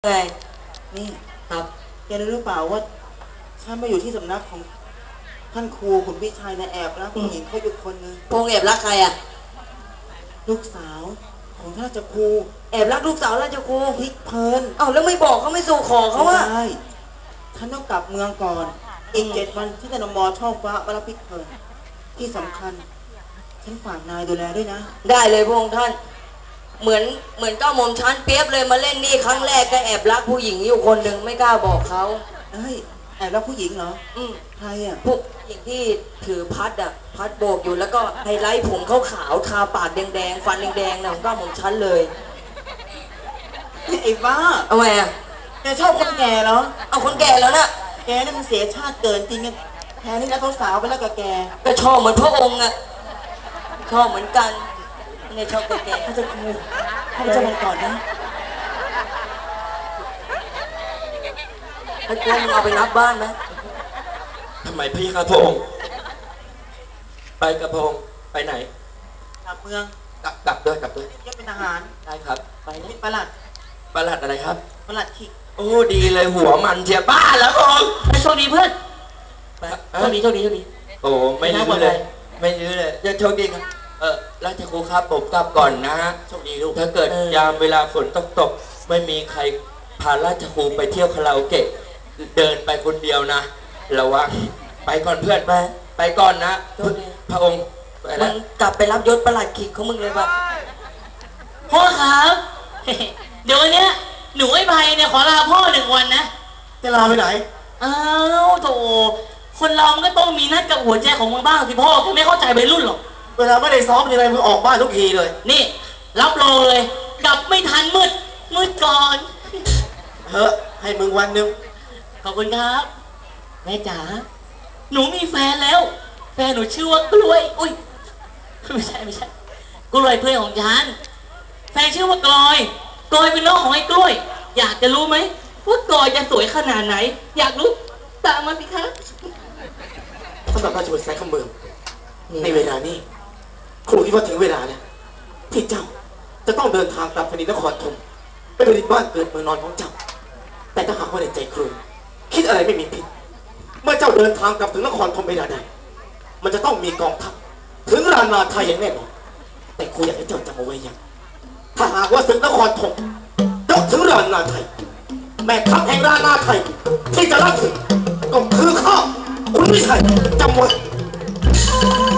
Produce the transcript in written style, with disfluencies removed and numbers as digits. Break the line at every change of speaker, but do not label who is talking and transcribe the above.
ไง
นี่
ครับ
แกรู้หรือเปล่าว่าฉันมาอยู่ที่สำนักของท่านครูขุนพิชัยนะแอบรักผู้หญิงเขาอยู่คนนึง
พงแอบรักใครอ่ะ
ลูกสาวของท่านราชครู
แอบรักลูกสาวราชครู
พลิกเพลิน
เอ้าแล้วไม่บอกเขาไม่สู่ขอเขาว่า
ได้ฉันต้องกลับเมืองก่อนอีก7 วันที่จะนมช่อฟ้ามารับพลิกเพลินที่สำคัญฉันฝากนายดูแลด้วยนะ
ได้เลยพระองค์ท่านเหมือนเก้าหม่อมชั้นเปียบเลยมาเล่นนี่ครั้งแรกก็แอบรักผู้หญิงอยู่คนหนึ่งไม่กล้าบอกเขา
เฮ้ยแอบรักผู้หญิงเหรอใครอ่ะ
ผู้หญิงที่ถือพัดโบกอยู่แล้วก็ไฮไลท์ผมขาวๆทาปากแดงๆฟันแดงๆนะของเก้าหม่อมชั้นเลย
ไอ้บ้า
เอาไงอ่ะ
แกชอบคนแก่เหรอ
เอาคนแก่แล้วนะ
แกนี่มันเสียชาติเกินจริงแทนที่จะสาวไปแล้วกับแก
ก็ชอบเหมือนพระองค์อ่ะชอบเหมือนกันเนี่ยชอบแก่
ๆเขาจะครูเขาจะมาก่อนนะ
ไอ้กล้วยมึงเอาไปรับบ้านไหม
ทำไมพี่ครับพระองค์ไปกับพระองค์ไปไหน
กลับเมือง
กลับด้วย
ยังเป็นทหาร
ได้ครับไป
นี่ประหลัด
อะไรครับ
ประหลัดขิก
โอ้ดีเลยหัวมันเชียบ้าแล้วพระองค์
โชคดีเพื่อนโชคดี
โอ้ไม่ยื้อเลยจะโชคดีครับราชครูครับผมกลับก่อนนะฮะโชคดีลูกถ้าเกิดยามเวลาฝนตกไม่มีใครพาราชครูไปเที่ยวคาราโอเกะเดินไปคนเดียวนะระวังไปก่อนเพื่อนไปก่อนนะพระองค์
มึงกลับไปรับยศประหลัดขิกของมึงเลยป่ะ
พ่อครับเดี๋ยววันนี้หนูไอ้ใบเนี่ยขอลาพ่อ1 วันนะ
จะลาไปไหน
อ้าวโถคนเรามันก็ต้องมีนัดกับหัวใจของมึงบ้างสิพ่อแกไม่เข้าใจวัยรุ่นหรอก
เวลาไม่ได้ซ้อมยังไงมึงออกบ้านทุกทีเลย
นี่รับรองเลยกลับไม่ทันมืดก่อน
เฮ้ให้มึงวันนึง
ขอบคุณครับแม่จ๋าหนูมีแฟนแล้วแฟนหนูชื่อว่ากล้วยอุ้ยไม่ใช่กล้วยเพื่อนของฉันแฟนชื่อว่ากลอยเป็นน้องของไอ้กล้วยอยากจะรู้ไหมว่ากลอยจะสวยขนาดไหนอยากรู้ตามมาสิคะ
สำหรับราชบุตรสายคำเมืองในเวลานี้ครูคิดว่าถึงเวลาเนี่ยที่เจ้าจะต้องเดินทางกลับแผ่นดินนครธมไปเป็นบ้านเกิดเมืองนอนของเจ้าแต่ถ้าหากว่าในใจครูคิดอะไรไม่มีผิดเมื่อเจ้าเดินทางกลับถึงนครธมเวลาใดมันจะต้องมีกองทัพถึงรานาไทยอย่างแน่นอนแต่ครูอยากให้เจ้าจำเอาไว้อย่างถ้าหากว่าถึงนครธมยกถึงรานาไทยแม่ทัพแห่งรานาไทยที่จะรับศึกก็คือข้าคุณวิชัยจำไว้